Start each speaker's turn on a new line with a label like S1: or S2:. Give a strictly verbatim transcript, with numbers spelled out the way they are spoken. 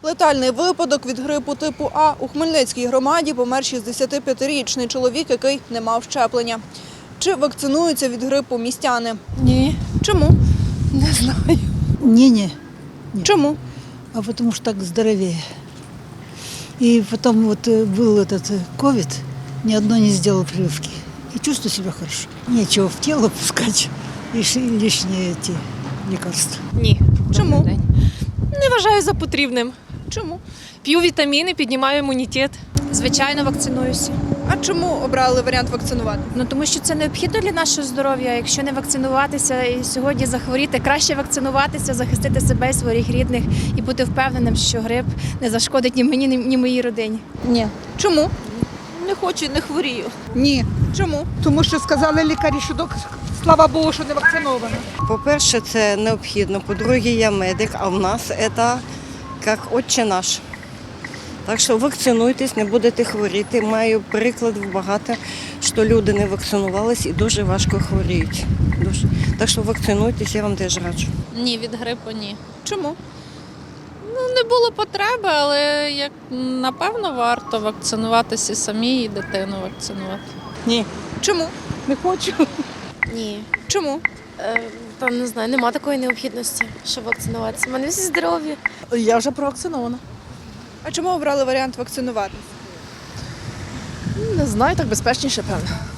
S1: Летальний випадок від грипу типу А. У Хмельницькій громаді помер шістдесятип'ятирічний чоловік, який не мав щеплення. Чи вакцинуються від грипу містяни?
S2: Ні,
S1: Чому?
S2: не знаю.
S3: Не-не,
S1: Чому?
S3: а потому что так здоровее. И потом вот э, был этот э, ковид, ни одно не сделал прививки. И чувствую себя хорошо. Нечего в тело пускать лиш- лишние эти лекарства.
S2: Ні.
S1: Чому?
S2: Добрий день. Не вважаю за потрібним.
S1: Чому?
S2: П'ю вітаміни, піднімаю імунітет.
S4: Звичайно, вакцинуюся.
S1: А чому обрали варіант вакцинувати?
S4: Ну тому що це необхідно для нашого здоров'я. Якщо не вакцинуватися і сьогодні захворіти, краще вакцинуватися, захистити себе і своїх рідних і бути впевненим, що грип не зашкодить ні мені, ні моїй родині.
S5: Ні,
S1: Чому?
S5: не хочу, не хворію.
S6: Ні,
S1: Чому?
S6: тому що сказали лікарі, що док- слава Богу, що не вакцинована.
S7: По-перше, це необхідно. По-друге, я медик, а в нас це як отче наш. Так що вакцинуйтесь, не будете хворіти. Маю приклад багато, що люди не вакцинувались і дуже важко хворіють. Дуже. Так що вакцинуйтесь, я вам теж раджу.
S8: Ні, від грипу ні.
S1: Чому?
S8: Ну, не було потреби, але як напевно варто вакцинуватися самі і дитину вакцинувати.
S1: Чому?
S6: Не хочу.
S9: Ні,
S1: Чому?
S9: е, та не знаю, нема такої необхідності, щоб вакцинуватися. У мене всі здорові.
S2: Я вже провакцинована.
S1: А чому обрали варіант вакцинувати?
S2: Не знаю, так безпечніше, певно.